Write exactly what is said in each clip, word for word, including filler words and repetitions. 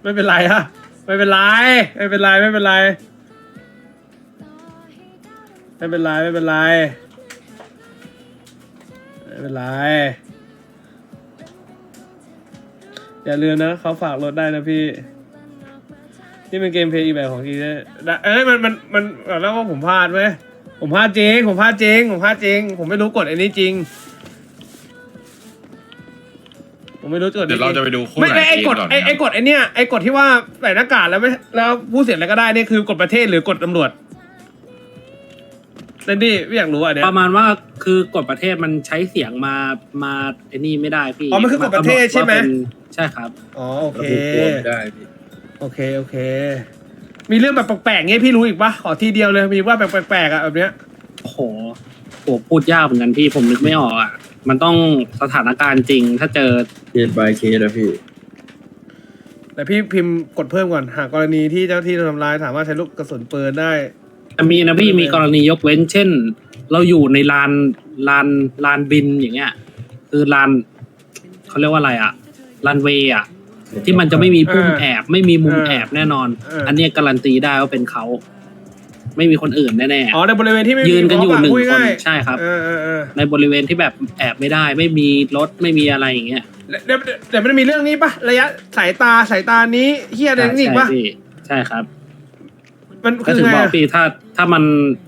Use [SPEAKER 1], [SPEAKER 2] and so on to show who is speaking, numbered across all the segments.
[SPEAKER 1] ไม่เป็นไรฮะไม่เป็นไรไม่เป็นไรไม่เป็นไรไม่เป็นไรไม่เป็นไรไม่เป็นไรอย่าลืมนะเขาฝากรถได้นะพี่นี่เป็นเกมเพลย์อีกแบบของทีได้เอ้ยมันมันมันแล้วว่าผมพลาดเว้ยผมพลาดจริงผมพลาดจริงผมพลาดจริงผมไม่รู้กฎอันนี้จริงผมไม่รู้กฎ
[SPEAKER 2] เดี๋ยวเราจะไปดูคู่
[SPEAKER 1] ไม่
[SPEAKER 2] ไหน
[SPEAKER 1] ไอ้กฎ
[SPEAKER 2] ก่อน
[SPEAKER 1] ไอ้ไอ้กฎไอ้เนี้ยไอ้กฎที่ว่าใส่หน้ากากแล้วไม่แล้วพูดเสียงอะไรก็ได้นี่คือกฎประเทศหรือกฎตำรวจเซนดี้ไม่อยากรู้อ่ะเนี่ย
[SPEAKER 3] ประมาณว่าคือกฎประเทศมันใช้เสียงมามาไอ้นี่ไม่ได้พี่
[SPEAKER 1] อ๋อมันคือกฎประเทศใช่ไหม
[SPEAKER 3] ว่าเป็นใช่ครับ
[SPEAKER 1] อ๋อโอเค
[SPEAKER 4] ไม่ได้พี่
[SPEAKER 1] โอเคโอเค มีเรื่องแบบแปลกๆเงี้ยพี่รู้อีกปะขอทีเดียวเลยมีว่าแบบแปลกๆอ่ะแบบเนี้ย
[SPEAKER 3] โอ้โหโหพูดยากเหมือนกันพี่ผมนึกไม่ออกอ่ะมันต้องสถานการณ์จริงถ้าเจอ
[SPEAKER 4] เคส by เคสนะพี่
[SPEAKER 1] แต่พี่พิมพ์กดเพิ่มก่อนหากกรณีที่เจ้าที่ทำร้ายสามารถใช้ลูกกระสุนปืนได้
[SPEAKER 3] แต่มีนะพี่มีกรณียกเว้น เช่น เราอยู่ในลานลานลานบินอย่างเงี้ยคือลานเขาเรียกว่าอะไรอ่ะลานเวย์อ่ะที่มันจะไม่มีพุ่มแอบไม่มีมุมแอบแน่นอน อันเนี้ยการันตีได้ว่าเป็นเขาไม่มีคนอื่นแน่ๆ
[SPEAKER 1] อ๋อในบริเวณที่ไม่มี
[SPEAKER 3] ยืนกันอยู่หนึ่ง
[SPEAKER 1] พูด
[SPEAKER 3] คน
[SPEAKER 1] ง่าย
[SPEAKER 3] ใช่ครับ
[SPEAKER 1] เออเออเออ
[SPEAKER 3] ในบริเวณที่แบบแอบไม่ได้ ไม่มีรถไม่มีอะไรอย่างเงี้ย
[SPEAKER 1] เดี๋ยวเดี๋ยวมันมีเรื่องนี้ปะระยะสายตาสายตานี้เฮียอะไรนี่อีกปะ
[SPEAKER 3] ใช่พี่ใช่ครับ
[SPEAKER 1] มัน
[SPEAKER 3] ก็
[SPEAKER 1] คือ
[SPEAKER 3] ถึง
[SPEAKER 1] ไง
[SPEAKER 3] บอก
[SPEAKER 1] อะ
[SPEAKER 3] พี่ถ้าถ้ามัน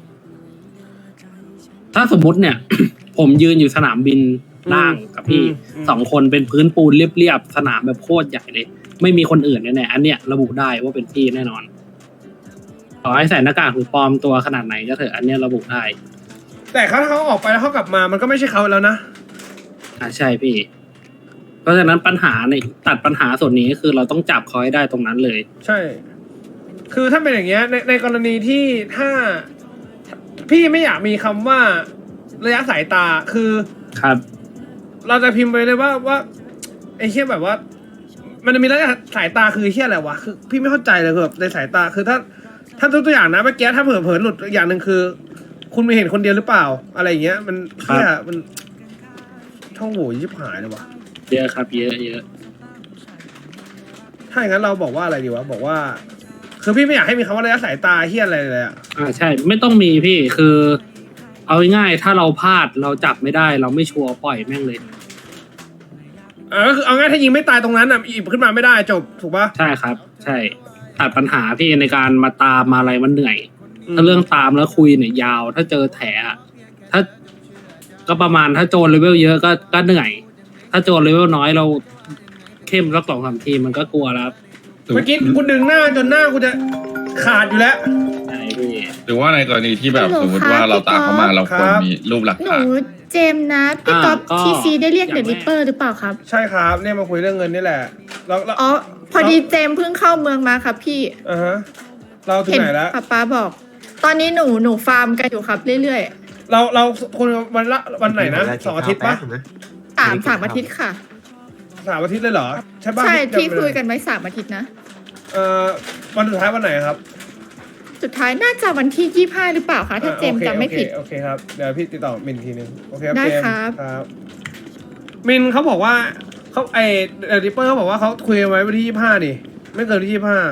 [SPEAKER 3] ถ้าสมมุติเนี่ย ผมยืนอยู่สนามบินล่างกับพี่สองคนเป็นพื้นปูนเรียบๆสนามแบบโคตรใหญ่เลยไม่มีคนอื่นแน่ๆอันเนี้ยระบุได้ว่าเป็นพี่แน่นอนต่อให้ใส่หน้ากากหรือปลอมตัวขนาดไหนก็เถอะอันเนี้ยระบุได้
[SPEAKER 1] แต่เขาถ้าเขาออกไปแล้วเขากลับมามันก็ไม่ใช่เขาแล้วนะ
[SPEAKER 3] อ่าใช่พี่ เพราะฉะนั้นปัญหาในตัดปัญหาส่วนนี้คือเราต้องจับเขาให้ได้ตรงนั้นเลย
[SPEAKER 1] ใช่ คือถ้าเป็นอย่างเงี้ยในในกรณีที่ถ้าพี่ไม่อยากมีคำว่าระยะสายตาคือ
[SPEAKER 3] ครับ
[SPEAKER 1] เราจะพิมพ์ไปเลยว่าว่าไอ้เชี่ยแบบว่า มันจะมีระยะสายตาคือไอ้เชี่ยอะไรวะคือพี่ไม่เข้าใจเลยคือแบบในสายตาคือถ้า ถ้าตัวอย่างนะเมื่อกี้ถ้าเผลอเผลอหลุดอย่างหนึ่งคือ คุณไม่เห็นคนเดียวหรือเปล่า อะไรอย่างเงี้ย มันเชี่ยมันช่องโหว่ยิบหายเลยวะ
[SPEAKER 3] เยอะครับ เยอะเยอะ
[SPEAKER 1] ถ้าอย่างนั้นเราบอกว่าอะไรดีวะบอกว่า คือพี่ไม่อยากให้มีคำว่าระยะสายตาเฮี้ยอะไรเลยอ่ะ
[SPEAKER 3] อ่าใช่ ไม่ต้องมีพี่คือ เอาง่ายๆถ้าเราพลาดเราจับไม่ได้ เราไม่ชัวร์ปล่อยแม่งเลย
[SPEAKER 1] อ่าก็คือเอาง่ายถ้ายิงไม่ตายตรงนั้นอ่ะอีบขึ้นมาไม่ได้จบถูกปะ
[SPEAKER 3] ใช่ครับ ใช่ตัดปัญหาพี่ในการมาตามมาอะไรมันเหนื่อย ถ้าเรื่องตามแล้วคุยเนี่ยยาว ถ้าเจอแถอะถ้าก็ประมาณถ้าโจรเลเวลเยอะก็ก็เหนื่อย ถ้าโจรเลเวลน้อยเราเข้มสักสองสามทีมันก็กลัวแล้ว
[SPEAKER 1] เมื่อกี้กูดึงหน้าจนหน้ากูจะขาดอยู่แล้ว
[SPEAKER 3] ใช่พี่
[SPEAKER 2] หรือว่าในกรณีที่แบบ
[SPEAKER 5] ฮัลโหล
[SPEAKER 2] สมมติว่าเราตามเขามา
[SPEAKER 5] ครับ
[SPEAKER 2] เราควร
[SPEAKER 1] ครับ
[SPEAKER 2] มีรูปหลัก
[SPEAKER 5] หนู
[SPEAKER 2] ฐาน
[SPEAKER 5] เจมส์นะพี่
[SPEAKER 3] อ่า
[SPEAKER 5] ก๊อฟ
[SPEAKER 3] ก็
[SPEAKER 5] ทีซีได้เรียก
[SPEAKER 3] อ
[SPEAKER 5] เด
[SPEAKER 3] ย่าง
[SPEAKER 5] อะริปเปอร์หรือเปล่าครับ
[SPEAKER 1] ใช่ครับเนี่ยมาคุยเรื่องเงินนี่แหละเราเรา
[SPEAKER 5] อ๋อ พอดีเจมส์เพิ่งเข้าเมืองมาครับพี่
[SPEAKER 1] อ่าฮะเราถึง
[SPEAKER 5] เห็น
[SPEAKER 1] ไหนแล้ว
[SPEAKER 5] ป้าป้าบอก ตอนนี้หนูหนูฟาร์มกันอยู่ครับเรื่อย
[SPEAKER 1] เราเราคนวันละวันไหนนะสองอาทิตย์ปะ
[SPEAKER 5] ๆสามสามอาทิตย์ค่ะ
[SPEAKER 1] สามอาทิตย์เลยเหรอใช่ปะ
[SPEAKER 5] ใช่ที่
[SPEAKER 1] จำ
[SPEAKER 5] คุยกันไว้สามอาทิตย์นะ
[SPEAKER 1] เอ่อวันสุดท้ายวันไหนครับ
[SPEAKER 5] สุดท้ายน่าจะวันที่ยี่ห้าหรือเปล่าคะถ้าเจมส์
[SPEAKER 1] อ่าโอค
[SPEAKER 5] จำไม่ผิด
[SPEAKER 1] โอเคโอเคครับเดี๋ยวพี่ติดต่อมินทีนึงโอเคครับ
[SPEAKER 5] ได้
[SPEAKER 1] เจมส์
[SPEAKER 5] ครับ
[SPEAKER 1] ครับมินเขาบอกว่าเขาไอเดลิเปอร์เขาบอกว่าเขาคุยกันไว้วันที่ยี่ห้านี่ไม่เกินที่ยี่ห้า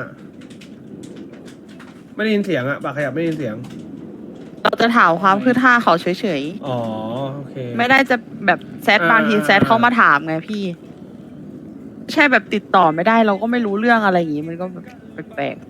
[SPEAKER 1] ไม่ได้ยินเสียงอะปากขยับไม่ได้ยินเสียง
[SPEAKER 6] เราจะถามความคืบหน้าเขาเฉย
[SPEAKER 1] อ๋อโอเค
[SPEAKER 6] ๆ ไม่ได้จะแบบแซด
[SPEAKER 1] อ่า
[SPEAKER 6] บางทีแซดเขามาถามไงพี่ ใช่แบบติดต่อไม่ได้เราก็ไม่รู้เรื่องอะไรอย่างงี้มันก็แบบแปลก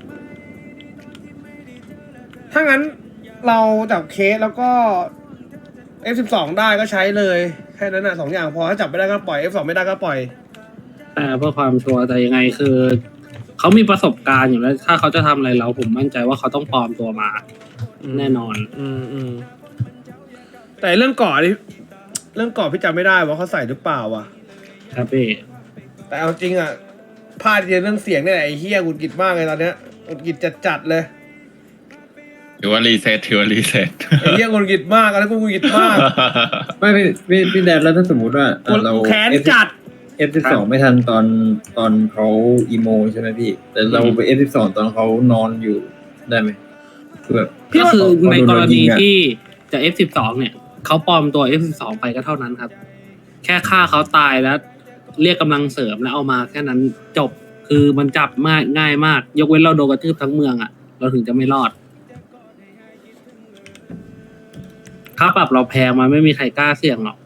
[SPEAKER 1] ถ้างั้นเราจับเคสแล้วก็ เอฟ สิบสอง ได้ก็ใช้เลยแค่นั้นน่ะสองอย่างพอถ้าจับไม่ได้ก็ปล่อย เอฟ สอง ไม่ได้ก็ปล่อย
[SPEAKER 3] แต่เพื่อความชัวร์แต่ยังไงคือเขามีประสบการณ์อยู่แล้ว ถ้าเขาจะทำอะไรเราผมมั่นใจว่าเขาต้องปลอมตัวมา แน่นอน
[SPEAKER 1] อืมอืมแต่เรื่องก่อนี่เรื่องก่อพี่จำไม่ได้ว่าเขาใส่หรือเปล่าวะ
[SPEAKER 3] ครับพี่
[SPEAKER 1] แต่เอาจริงอ่ะพลาดเรื่องเสียงเนี่ยแหละไอ้เฮียหงุดหงิดมากเลยตอนเนี้ยหงุดหงิดจัดๆเลย
[SPEAKER 2] หรือว่ารีเซ็ตถือว่ารีเซ็ต
[SPEAKER 1] ไอ้เฮียหงุดหงิดมากแล้วกูหงุดหงิดมาก
[SPEAKER 4] ไม่พี่พี่พี่แดนแล้วถ้าสมมติว่า
[SPEAKER 1] กู
[SPEAKER 4] เรา
[SPEAKER 1] กูแค้นจัด
[SPEAKER 4] เอฟสิบสองไม่ทันตอนตอนเขาอีโมใช่ไหมพี่ แต่เราไปเอฟสิบสองตอนเขานอนอยู่ได้ไหมคือแบบ
[SPEAKER 1] พี่
[SPEAKER 3] ก็
[SPEAKER 1] ว่า
[SPEAKER 3] คือในกรณี
[SPEAKER 4] เขาโดนยิงอะ
[SPEAKER 3] ที่จะ เอฟ สิบสอง เนี่ยเขาปลอมตัว เอฟ สิบสอง ไปก็เท่านั้นครับ แค่ฆ่าเขาตายแล้ว เรียกกำลังเสริมแล้วเอามาแค่นั้นจบคือมันจับมากง่ายมาก ยกเว้นเราโดนกระทืบทั้งเมืองอ่ะ เราถึงจะไม่รอดค่าปรับเราแพงมาไม่มีใครกล้าเสี่ยงหรอก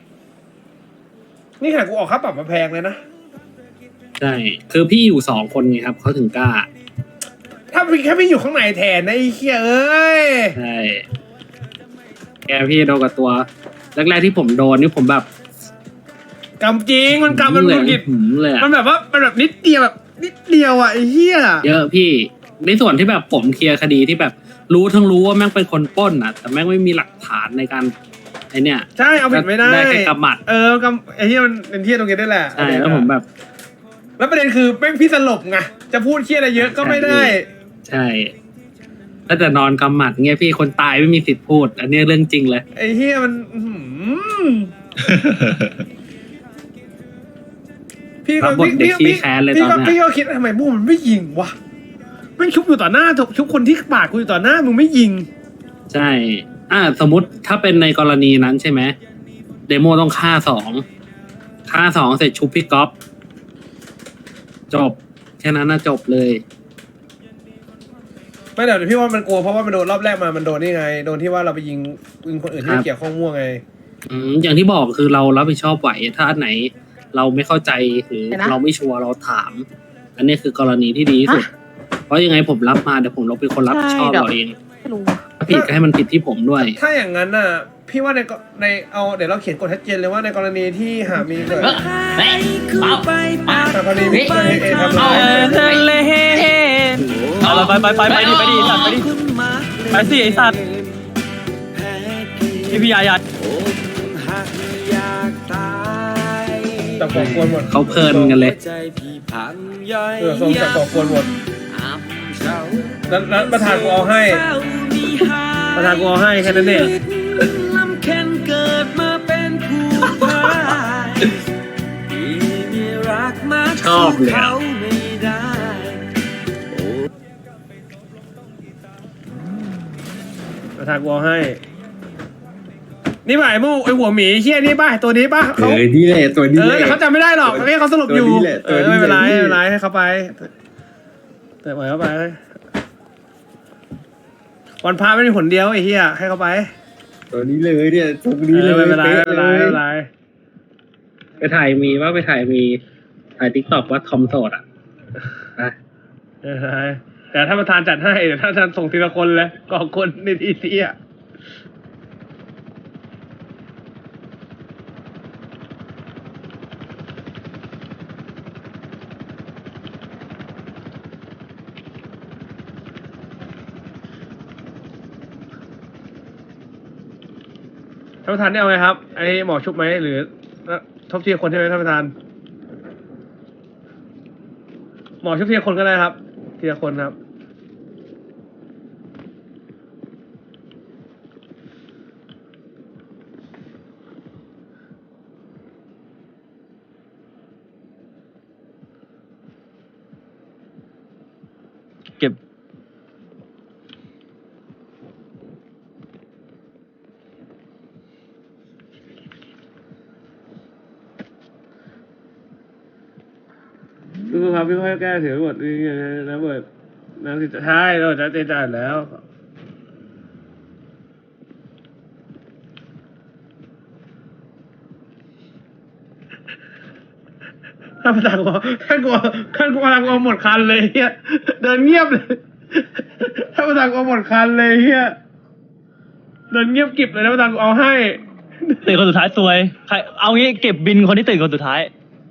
[SPEAKER 1] นี่ขนาดกูออกค่าปรับมาแพงเลยนะ
[SPEAKER 3] ใช่ คือพี่อยู่สองคนไงครับเขาถึงกล้า
[SPEAKER 1] ถ้าพี่แค่พี่อยู่ข้างในแทนนะไอ้เหี้ยเอ้ย
[SPEAKER 3] ใช่ แกพี่โดนกับตัว แรกๆที่ผมโดนนี่ผมแบบ
[SPEAKER 1] กำจริงมันกำมัน
[SPEAKER 3] เล
[SPEAKER 1] มุ
[SPEAKER 3] ย
[SPEAKER 1] นกิด
[SPEAKER 3] หืมเลยอะ
[SPEAKER 1] มันแบบว่ามันแบบนิดเดียวแบบนิดเดียวอ่ะไอ้เหี้ย
[SPEAKER 3] เยอะพี่ ในส่วนที่แบบผมเคลียร์คดีที่แบบรู้ทั้งรู้ว่าแม่งเป็นคนปล้นอ่ะ แต่แม่งไม่มีหลักฐานในการไอเนี่ย
[SPEAKER 1] ใช่เอาผิดไม่ได้
[SPEAKER 3] ได้แค่กำหมัด
[SPEAKER 1] เออกำไอ้เหี้ยมันเป็นเหี้ยตรงนี้ได้แหละ
[SPEAKER 3] ใช่แล้วผมแบบ
[SPEAKER 1] แล้วประเด็นคือแม่งพี่สลบไงจะพูดเหี้ยอะไรเยอะก็ไม่ได้
[SPEAKER 3] ใช่ถ้าจะนอนกำหมัดเงี้ยพี่คนตายไม่มีสิทธิ์พูด อันนี้เรื่องจริงเลย
[SPEAKER 1] ไอ้เหี้ยมันอื้อหือพี่ก็
[SPEAKER 3] รับบท
[SPEAKER 1] พี่
[SPEAKER 3] เด็ก
[SPEAKER 1] พี่
[SPEAKER 3] ขี้แค้นเลย
[SPEAKER 1] พี่
[SPEAKER 3] ตอน
[SPEAKER 1] ก็
[SPEAKER 3] เนี้ย
[SPEAKER 1] พี่ก็คิดทำไมบูมันไม่ยิงวะแม่งชุบอยู่ต่อหน้าชุบคนที่ปาดกูอยู่ต่อหน้ามึงไม่ยิง
[SPEAKER 3] ใช่ อ่า สมมติถ้าเป็นในกรณีนั้นใช่ไหมเดโมต้องฆ่าสองฆ่าสองเสร็จชุบพี่ก๊อฟจบแค่นั้นน่ะจบเลย
[SPEAKER 1] ไม่เดี๋ยวพี่ว่ามันกลัวเพราะว่ามันโดนรอบแรกมามันโดนนี่ไงโดนที่ว่าเราไปยิงยิงคนอื่นที่ไม่เกี่ยวข้องมั่วไง
[SPEAKER 3] อืมอย่างที่บอกคือเรารับผิดชอบไหวถ้าอันไหน เราไม่เข้าใจหรือ
[SPEAKER 6] เดี๋ยวนะ
[SPEAKER 3] เราไม่ชัวร์เราถาม อันนี้คือกรณีที่ดีที่สุด เพราะยังไงผมรับมาเดี๋ยวผมเราเป็นคนรับผิดชอบ
[SPEAKER 6] ใช่เดี๋ยว
[SPEAKER 3] เราเอง
[SPEAKER 6] ไม่รู้
[SPEAKER 3] ถ้าผิดก็ให้มันผิดที่ผมด้วย
[SPEAKER 1] ถ้าอย่างนั้นน่ะ พี่ว่าในกในเอาเดี๋ยวเราเขียนกฎชัดเจนเลยว่าในกรณีที่หากมีเกิด
[SPEAKER 7] เฮ้ยเปล่าปา
[SPEAKER 1] แต่กรณีมีเกิดเหตุเอทำร้าย
[SPEAKER 8] เอาเราไปไปไปไปดิไปดิสัตว์ไปดิไปสิไอสัตว์พี่พี่ยายา
[SPEAKER 1] จับก่อกวนหมด
[SPEAKER 3] เขาเพลินกันเลย
[SPEAKER 1] เออทรงจับก่อกวนหมดแล้วแล้วประธานกูเอาให้ ประธานกูเอาให้แค่นั้นเอง
[SPEAKER 3] ชอบเลยอะ
[SPEAKER 1] ประธานกูเอาให้ นี่ป่ะไอ้มูไอ้หัวหมีเฮี้ยนี่ป่ะตัวนี้ป่ะ
[SPEAKER 4] เอ
[SPEAKER 1] เขา
[SPEAKER 4] อนี่แหละตัวนี้
[SPEAKER 1] เอ
[SPEAKER 4] แห
[SPEAKER 1] อ
[SPEAKER 4] ละ
[SPEAKER 1] แต่เขาจำไม่ได้หรอกให้เขาสรุปอยู่
[SPEAKER 4] ตัวนี้แหละ
[SPEAKER 1] เออ
[SPEAKER 4] ตัวนี้
[SPEAKER 1] ไม่เป็นไร
[SPEAKER 4] แหละ
[SPEAKER 1] ไม่เป็นไรให้เขาไปแต่ปล่อยเขาไปวันพาไม่มีผลเดียวไอ้เหี้ยให้เขาไป
[SPEAKER 4] ตัวนี้เลยเนี่ยตัว
[SPEAKER 1] เอ
[SPEAKER 4] นี้เล
[SPEAKER 1] อย ไม่เป็นไรไม่เป็นไรไม่เป็นไร
[SPEAKER 3] ไปถ่ายมีว่าไปถ่ายมีถ่ายทิกตอกว่าทอมโสดอ่ะนะ
[SPEAKER 1] ไม่เป็นไรแต่ถ้าประธานจัดให้เดี๋ยวถ้าท่านส่งทีละคนเลยก่อคนในทีทีอ่ะท่านประธานได้เอาไงครับไอหมอชุบไหมหรือทบทีละคนใช่ไหมท่านประธานหมอชุบทีละคนก็ได้ครับทีละคนครับ
[SPEAKER 8] เก็บ
[SPEAKER 1] พี่ครับพี่ค่อยแก้เสียงบทนี่นะเบิร์ดน้ำสิใช่เราจะเตะจ่ายแล้วถ้าประธานกลัวท่านกลัวท่านกลัวประธานกลัวหมดคันเลยเฮียเดินเงียบเลยถ้าประธานกลัวหมดคันเลยเฮียเดินเงียบกริบเลยนะประธานกูเอาให้
[SPEAKER 8] ตื่นคนสุดท้ายซวย ใคร เอางี้เก็บบินคนที่ตื่นคนสุดท้าย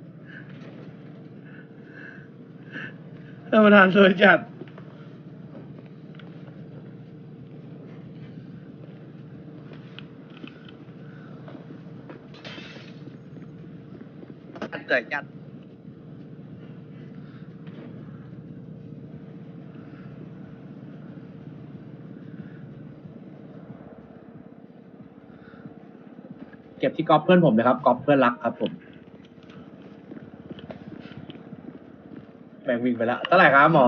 [SPEAKER 1] ท่านประธานสวยจัดเกิดจัดเก็บที่ก๊อฟเพื่อนผมนะครับก๊อฟเพื่อนรักครับผมแบ่งวิ่งไปแล้วเท่าไหร่ครับหมอ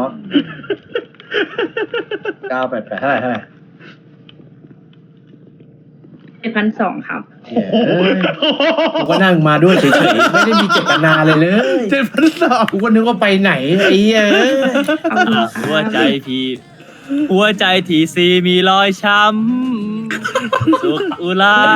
[SPEAKER 1] เก้าแปดแปดเท่าไหร่เท่าไหร่
[SPEAKER 9] เจ็ดพันสองครับกูก็นั่งมาด้วยเฉยๆไม่ได้มีเจตนาเลยเลย
[SPEAKER 1] เจ็ดพันสอง
[SPEAKER 9] กูก็นึกว่าไปไหนไอ้เหี้ย
[SPEAKER 8] หัวใจทีหัวใจทีซีมีรอยช้ำสุกอุลา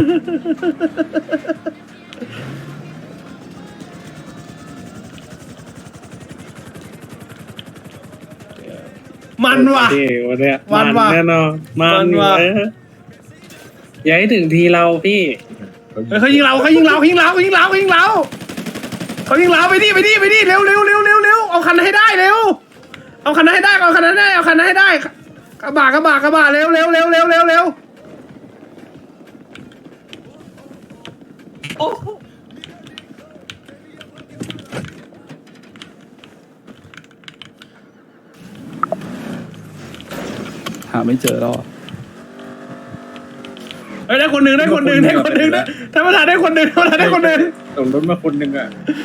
[SPEAKER 1] มันว่ะ
[SPEAKER 3] พี่วันเนี้ย
[SPEAKER 1] มันว่ะ
[SPEAKER 3] แน่นอนมั
[SPEAKER 1] มัน น
[SPEAKER 3] อยู่
[SPEAKER 1] ว่ะ
[SPEAKER 3] เลยอย่าให้ถึงทีเราพี่
[SPEAKER 1] เฮ้ยเขายิงเราเขายิงเราเขายิงเราเขายิงเราเขายิงเราเขายิงเราไปดิไปดิไปดิเร็วเร็วเร็วเร็วเร็วเอาคันนั้นให้ได้เร็วเอาคันนั้นให้ได้เอาคันนั้นให้ได้เอาคันนั้นให้ได้กระบะกระบะกระบะเร็วเร็วเร็วเร็วเร็วเร็ว
[SPEAKER 10] หาไม่เจอแล้วอะ
[SPEAKER 1] เฮ้ยได้คนหนึ่งได้คนหนึ่งได้คนหนึ่งนะท่านประธานได้คนหนึ่งท่านประธานได้คนหนึ่ง
[SPEAKER 4] ส่งรถมาคนหนึ่งอ่ะ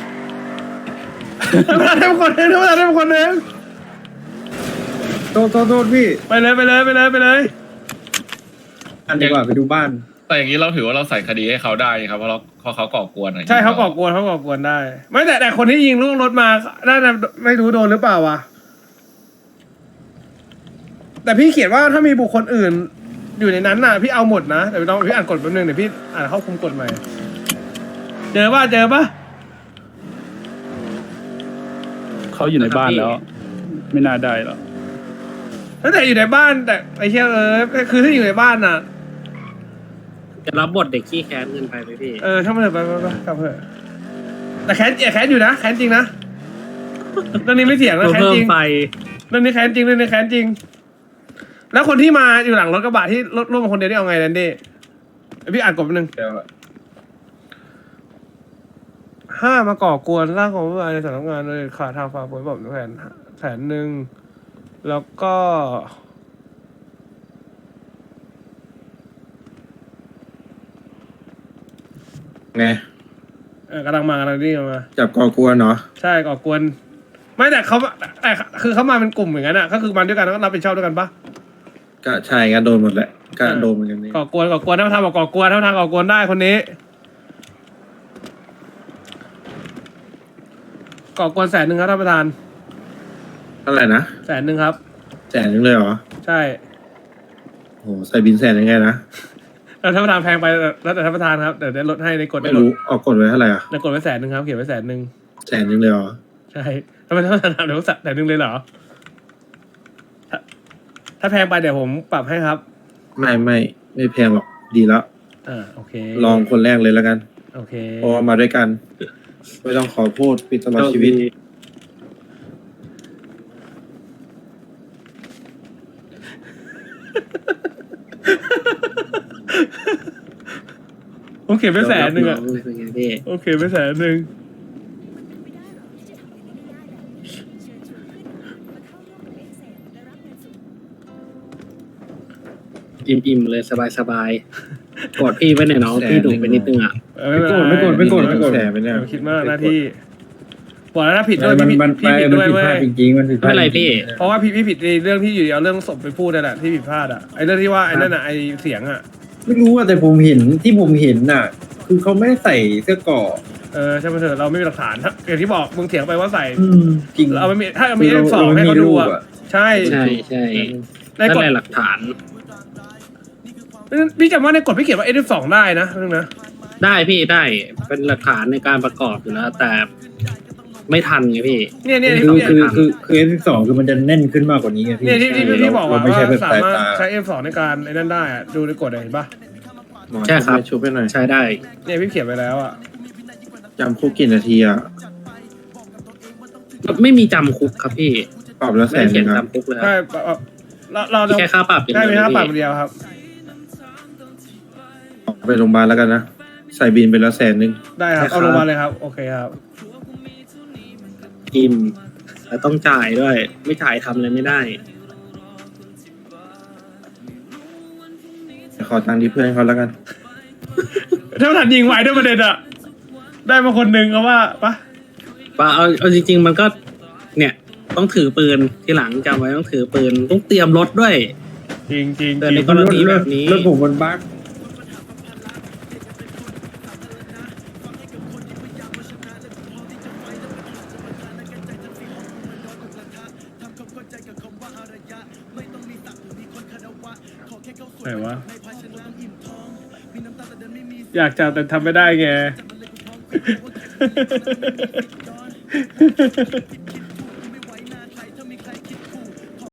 [SPEAKER 1] ท่านประธานได้คนหนึ่งท่านประธานได้คนหนึ่ง
[SPEAKER 4] โทษโทษโทษพี่
[SPEAKER 1] ไปเลยไปเลยไปเลยไปเลย
[SPEAKER 4] อันดีกว่าไปดูบ้าน
[SPEAKER 2] แต่อย่างนี้เราถือว่าเราใส่คดีให้เขาได้ครับเพราะเราเพราะเขาก่อกวนอะไร
[SPEAKER 1] ใช่เขาก่อกวนเขาก่อกวนได้ ไม่แต่แต่คนที่ยิงล่วงรถมาน่าจะไม่รู้โดนหรือเปล่าวะแต่พี่เขียนว่าถ้ามีบุคคลอื่นอยู่ในนั้นน่ะพี่เอาหมดนะแต่พี่ต้องพี่อ่านกฎแป๊บนึงเดี๋ยวพี่อ่านเข้าคุมกฎใหม่เจอป่ะเจอป่ะ
[SPEAKER 10] เขาอยู่ในบ้านแล้ว ไม่น่าได้หรอก
[SPEAKER 1] ตั้งแต่อยู่ในบ้านแต่ไอ้เชี่ยเออคือถ้าอยู่ในบ้านน่ะ
[SPEAKER 3] จะรับบทเด็กขี้แค้นเงินไปไหมพี่
[SPEAKER 1] เออช่างมันเถอะไปไปไปกลับเถอะแต่แค้นแค้นอยู่นะแค้นจริงนะเรื่องนี้ไม่เถียงนะแค้น
[SPEAKER 3] เพิ่
[SPEAKER 1] จ
[SPEAKER 3] ม
[SPEAKER 1] ริง
[SPEAKER 3] ไฟ
[SPEAKER 1] เรื่องนี้แค้นจริงเรื่องนี้แค้นจริง แล้วคนที่มาอยู่หลังรถกระบะที่รถร่วมมาคนเดียวนี่เอาไงแลนดี้พี่อ่านกฎแป๊บนึง
[SPEAKER 4] เดี๋ยว
[SPEAKER 1] ห้ามาก่อกวนร่างของผู้บริในสำนักงานโดยขาดทางฝ่าฝืนแบบแผนแผนหนึ่งแล้วก็
[SPEAKER 4] ไง
[SPEAKER 1] เออกำลังมากำลังนี่มา
[SPEAKER 4] จับก่อกวนเนาะ
[SPEAKER 1] ใช่ก่อกวน ไม่แต่เขาแต่คือเขามาเป็นกลุ่มอย่างนั้นอ่ะก็คือมาด้วยกันแล้วก็รับผิดชอบด้วยกันปะ
[SPEAKER 4] ก็ใช่กันโดนหมดแหละก็โดนเหมือนกันนี่
[SPEAKER 1] ก่อกวนก่อกวนถ้าทำบอกก่อกวนถ้าทางก่อกวนได้คนนี้ก่อกวนแสนหนึ่งครับท่านประธาน
[SPEAKER 4] เท่าไหร่นะ
[SPEAKER 1] แสนหนึ่งครับ
[SPEAKER 4] แสนนึงเลยเหรอ
[SPEAKER 1] ใช่
[SPEAKER 4] โหใส่บินแสนยังไงนะ
[SPEAKER 1] แล้วท่านประธานแพงไปแล้วแต่ท่านประธานครับเดี๋ยวได้ลดให้ในกฎ
[SPEAKER 4] ไม่
[SPEAKER 1] ได้ลด
[SPEAKER 4] รู้ออกกฎไว้เท่าไหร่อ่ะ
[SPEAKER 1] ในกฎไว้แสนหนึ่งครับเขียนไว้แสนหนึ่ง
[SPEAKER 4] แสนนึงเลยเหรอ
[SPEAKER 1] ใช่ทำไมท่านประธานถามเดี๋ยวแสนหนึ่งเลยเหรอถ้าถ้าแพงไปเดี๋ยวผมปรับให้ครับ
[SPEAKER 4] ไม่ไม่ไม่แพงหรอกดีแล้ว
[SPEAKER 1] อ่าโอเค
[SPEAKER 4] ลองคนแรกเลยแล้วกัน
[SPEAKER 1] โอเค
[SPEAKER 4] เพราะว่ามาด้วยกันไม่ต้องขอโทษปิดตลอดชีวิต
[SPEAKER 1] ผมเขียนไว้แสนหนึ่งอ่ะ
[SPEAKER 3] เป็นไงพี่
[SPEAKER 1] โอเคไว้แสนหนึ่ง
[SPEAKER 3] อิ่มๆเลยสบายๆกดพี่ไว้หน่อยน้องพี่ดุไปนิดนึงอ่ะ
[SPEAKER 1] เออไม่เป็นไร
[SPEAKER 4] ไม่โกรธไม่โกรธไม่โกรธแสนไปเนี่ย
[SPEAKER 1] อย่าไปคิดมากหน้าที่บอกแล้วถ้าผิดด้วย
[SPEAKER 4] มัน
[SPEAKER 1] พี่
[SPEAKER 4] มัน
[SPEAKER 1] พี่ผิด
[SPEAKER 4] มัน
[SPEAKER 1] ด้วย
[SPEAKER 4] ผิด
[SPEAKER 1] เว้
[SPEAKER 4] พลาด
[SPEAKER 1] ย
[SPEAKER 4] จริงๆมันผิดพ
[SPEAKER 3] ไม่
[SPEAKER 4] ลาด
[SPEAKER 3] เป็นไร
[SPEAKER 4] จงๆ
[SPEAKER 3] พี่
[SPEAKER 1] เพราะว่าพี่พี่ผิดในเรื่องที่อยู่ดีเอาเรื่องศพไปพูดนั่นแหละที่ผิดพลาดอ่ะไอ้เรื่องที่ว่าไอ้นั่นอ่ะไอ้เสียงอ่ะ
[SPEAKER 4] ไม่รู้อะแต่ผมเห็นที่ผมเห็นน่ะ คือเขาไม่ได้ใส่เสื้อเกราะ
[SPEAKER 1] เออใช่ไหมเถอะเราไม่มีหลักฐานถ้าอย่างที่บอกมึงเถียงไปว่าใส่
[SPEAKER 4] อืมจริง
[SPEAKER 1] เราไม่มีถ้ามีเอฟสองให้เขาดูอ่ะใช่
[SPEAKER 3] ใช่ใช่
[SPEAKER 1] ใน
[SPEAKER 3] นั่น
[SPEAKER 1] กฎ
[SPEAKER 3] แหละหลักฐาน
[SPEAKER 1] พี่จำว่าในกฎพี่เขียนว่าเอฟสองได้นะเรื่องนะ
[SPEAKER 3] ได้พี่ได้เป็นหลักฐานในการประกอบอยู่แล้ว แต่ไม่ทันไงพี่
[SPEAKER 1] เนี่ยเนี่ย
[SPEAKER 4] คือ
[SPEAKER 1] เนี่ย
[SPEAKER 4] คือคือคือ เอฟ สิบสอง คือมันจะแน่นขึ้นมากกว่านี้ไงพี่
[SPEAKER 1] เนี่ยที่ที่ที่บอก
[SPEAKER 4] เรา
[SPEAKER 1] ว่า
[SPEAKER 4] ไม่ใช่แบบ
[SPEAKER 1] สา
[SPEAKER 4] สาย
[SPEAKER 1] มารถ
[SPEAKER 4] ตา
[SPEAKER 1] ใช้เอฟสองในการไอ้นั่นได้อ่ะดูในกฎอะเห็นปะ
[SPEAKER 4] หมอ
[SPEAKER 3] ใช่ครับ
[SPEAKER 4] ชุบไปหน่อย
[SPEAKER 3] ใช้ได้
[SPEAKER 1] เนี่ยพี่เขียนไปแล้วอ่ะ
[SPEAKER 4] จำคุกกี่นาทีอ่ะ
[SPEAKER 3] ไม่มีจำคุกครับพี่
[SPEAKER 4] ปรับแล้วแส
[SPEAKER 3] ไม่
[SPEAKER 4] นห
[SPEAKER 3] เขี
[SPEAKER 4] นึ่
[SPEAKER 3] ยน
[SPEAKER 4] งครับ
[SPEAKER 3] จำคุกเลยค
[SPEAKER 1] ใช่
[SPEAKER 3] รับ
[SPEAKER 1] เราเราเรา
[SPEAKER 3] แค่ค่าปรับอย่าง
[SPEAKER 1] ใช่
[SPEAKER 3] เดียว
[SPEAKER 1] มีค่าปรับ
[SPEAKER 3] พี่
[SPEAKER 1] เดียวครับ
[SPEAKER 4] ไปโรงพยาบาลแล้วกันนะ ใส่บินไปแล้วแสนหนึ่ง
[SPEAKER 1] ได้ครับเอาลงมาเลยครับโอเคครับ
[SPEAKER 3] อิ่มแต่ต้องจ่ายด้วย ไม่จ่ายทำอะไรไม่ได้
[SPEAKER 4] ขอตังค์ที่เพื่อนเขาแล้วกัน
[SPEAKER 1] ถ้าทันยิงไหวด้วยประเด็นอ่ะได้มาคนหนึ่งเขาว่าปะ
[SPEAKER 3] ว่าเอาเอาจริง ๆ มันก็ เนี่ย ต้องถือปืนทีหลังจำไว้ต้องถือปืนต้องเตรียมรถด้วย
[SPEAKER 1] จริงจริง
[SPEAKER 3] แต่
[SPEAKER 1] จ
[SPEAKER 3] ใน
[SPEAKER 1] ริง
[SPEAKER 3] กรณีแบบนี้
[SPEAKER 4] รถผมมันบั๊ก
[SPEAKER 1] ไหนวะอยากจับแต่ทำไม่ได้ไง